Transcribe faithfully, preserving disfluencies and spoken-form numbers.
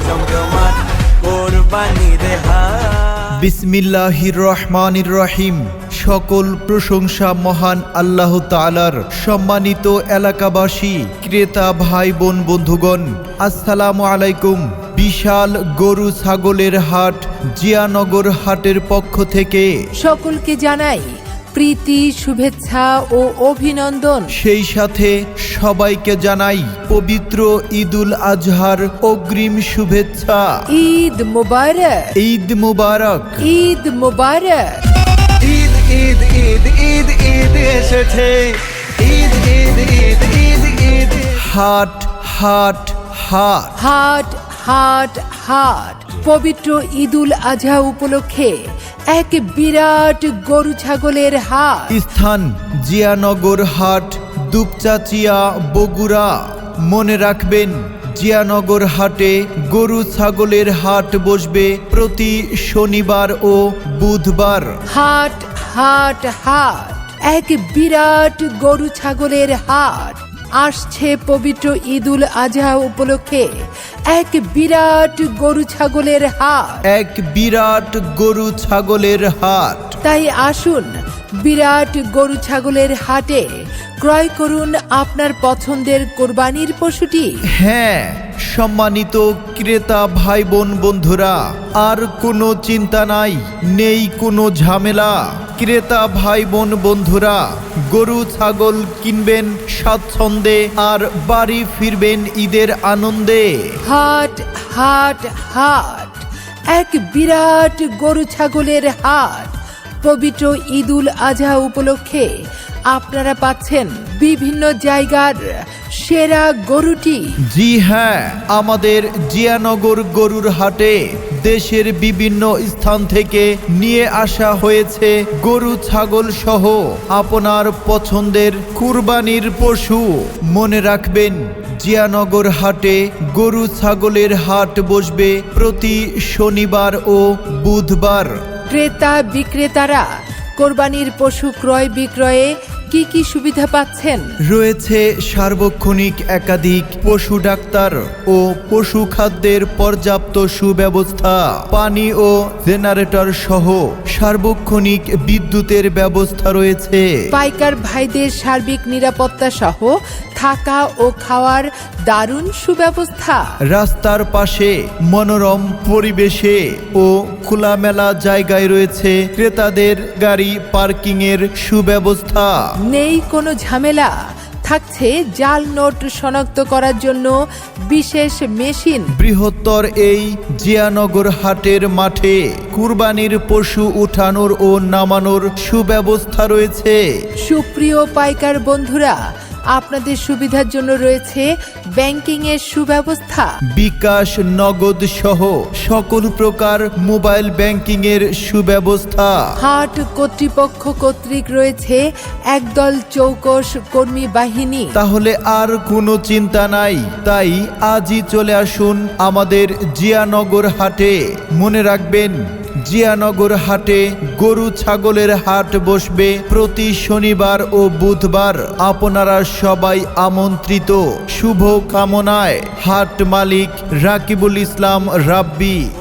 জমজমাট কোরবানির হাট। বিসমিল্লাহির রহমানির রহিম। সকল প্রশংসা মহান আল্লাহ তাআলার। সম্মানিত এলাকাবাসী, ক্রেতা ভাই বোন বন্ধুগণ, আসসালামু আলাইকুম। বিশাল গরু ছাগলের হাট জিয়ানগর হাটের পক্ষ থেকে সকলকে জানাই প্রীতি, শুভেচ্ছা ও অভিনন্দন। সেই সাথে সবাইকে জানাই পবিত্র ঈদুল আজহার অগ্রিম শুভেচ্ছা। ঈদ মুবারক, ঈদ মুবারক, ঈদ মুবারক। ঈদ ঈদ ঈদ ঈদ ঈদ এসেছে, ঈদ ঈদ ঈদ ঈদ ঈদ। হাট হাট হাট হাট হাট হাট পবিত্র ঈদুল আজহা উপলক্ষে এক বিরাট গরু ছাগলের হাট। স্থান জিয়ানগর হাট, দুপচাচিয়া, বগুড়া। মনে রাখবেন, জিয়ানগর হাটে গরু ছাগলের হাট বসবে প্রতি শনিবার ও বুধবার। হাট হাট হাট এক বিরাট গরু ছাগলের হাট আসছে পবিত্র ঈদুল আজহা উপলক্ষে এক বিরাট গরু ছাগলের হাট। এক বিরাট গরু ছাগলের হাট। তাই আসুন বিরাট গরু ছাগলের হাটে ক্রয় করুন আপনার পছন্দের কোরবানির পশুটি। হ্যাঁ, সম্মানিত ক্রেতা ভাই বোন বন্ধুরা, আর কোনো চিন্তা নাই, নেই কোনো ঝামেলা। ক্রেতা ভাই বোন বন্ধুরা, গরু ছাগল কিনবেন স্বাচ্ছন্দ্যে আর বাড়ি ফিরবেন ঈদের আনন্দে। হাট হাট হাট এক বিরাট গরু ছাগলের হাট পবিত্র ঈদুল আজহা উপলক্ষে আপনারা পাচ্ছেন বিভিন্ন জায়গার সেরা গরুটি। জি হ্যাঁ, আমাদের জিয়ানগর গরুর হাটে দেশের বিভিন্ন স্থান থেকে নিয়ে আসা হয়েছে গরু ছাগল সহ আপনার পছন্দের কুরবানির পশু। মনে রাখবেন, জিয়ানগর হাটে গরু ছাগলের হাট বসবে প্রতি শনিবার ও বুধবার। ক্রেতা বিক্রেতারা কোরবানির পশু ক্রয় বিক্রয়ে কি কি সুবিধা পাচ্ছেন? রয়েছে সার্বক্ষণিক একাধিক পশু ডাক্তার ও পশু খাদ্যের পর্যাপ্ত সুব্যবস্থা, পানি ও জেনারেটর সহ সার্বক্ষণিক বিদ্যুতের ব্যবস্থা রয়েছে। পাইকার ভাইদের সার্বিক নিরাপত্তা সহ থাকা ও খাওয়ার দারুণ সুব্যবস্থা। রাস্তার পাশে মনোরম পরিবেশে ও খোলামেলা জায়গায় রয়েছে ক্রেতাদের গাড়ি পার্কিং এর সুব্যবস্থা। নেই কোনো ঝামেলা, থাকছে জাল নোট শনাক্ত করার জন্য বিশেষ মেশিন। বৃহত্তর এই জিয়ানগর হাটের মাঠে কুরবানির পশু উঠানোর ও নামানোর সুব্যবস্থা রয়েছে। সুপ্রিয় পাইকার বন্ধুরা, আপনাদের সুবিধার জন্য রয়েছে ব্যাংকিং এর সুব্যবস্থা। বিকাশ, নগদ সহ সকল প্রকার মোবাইল ব্যাংকিং এর সুব্যবস্থা। হাট কর্তৃপক্ষ কর্তৃক রয়েছে একদল চৌকস কর্মী বাহিনী। তাহলে আর কোনো চিন্তা নাই, তাই আজই চলে আসুন আমাদের জিয়ানগর হাটে। মনে রাখবেন, জিয়ানগর হাটে গরু ছাগলের হাট বসবে প্রতি শনিবার ও বুধবার। আপনারা সবাই আমন্ত্রিত। শুভ কামনায় হাট মালিক রাকিবুল ইসলাম রাব্বি।